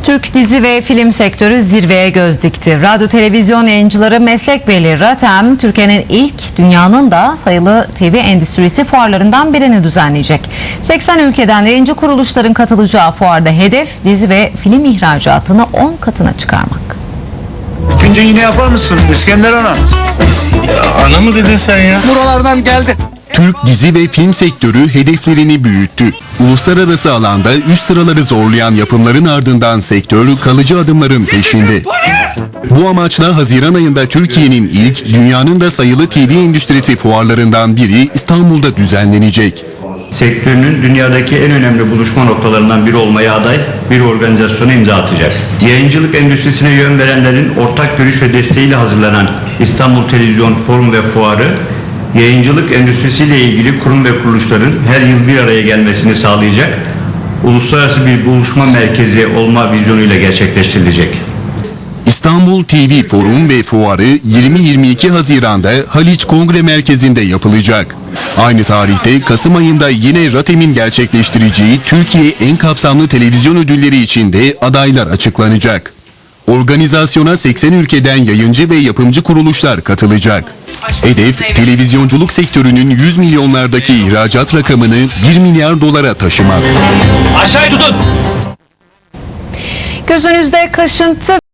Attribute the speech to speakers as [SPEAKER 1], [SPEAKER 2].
[SPEAKER 1] Türk dizi ve film sektörü zirveye göz dikti. Radyo televizyon yayıncıları meslek birliği RATEM, Türkiye'nin ilk, dünyanın da sayılı TV endüstrisi fuarlarından birini düzenleyecek. 80 ülkeden yayıncı kuruluşların katılacağı fuarda hedef dizi ve film ihracatını 10 katına çıkarmak.
[SPEAKER 2] Bitince yine yapar mısın İskender Ana?
[SPEAKER 3] Ana mı dedin sen ya?
[SPEAKER 2] Buralardan geldi.
[SPEAKER 4] Türk dizi ve film sektörü hedeflerini büyüttü. Uluslararası alanda üst sıraları zorlayan yapımların ardından sektör kalıcı adımların peşinde. Bu amaçla Haziran ayında Türkiye'nin ilk, dünyanın da sayılı TV endüstrisi fuarlarından biri İstanbul'da düzenlenecek.
[SPEAKER 5] Sektörünün dünyadaki en önemli buluşma noktalarından biri olmaya aday bir organizasyona imza atacak. Yayıncılık endüstrisine yön verenlerin ortak görüş ve desteğiyle hazırlanan İstanbul Televizyon Forum ve Fuarı, yayıncılık endüstrisiyle ilgili kurum ve kuruluşların her yıl bir araya gelmesini sağlayacak, uluslararası bir buluşma merkezi olma vizyonuyla gerçekleştirilecek.
[SPEAKER 4] İstanbul TV Forum ve Fuarı 20-22 Haziran'da Haliç Kongre Merkezi'nde yapılacak. Aynı tarihte Kasım ayında yine RATEM'in gerçekleştireceği Türkiye en kapsamlı televizyon ödülleri için de adaylar açıklanacak. Organizasyona 80 ülkeden yayıncı ve yapımcı kuruluşlar katılacak. Hedef, televizyonculuk sektörünün 100 milyonlardaki ihracat rakamını 1 milyar dolara taşımak.
[SPEAKER 2] Aşağıya tutun.
[SPEAKER 1] Gözünüzde kaşıntı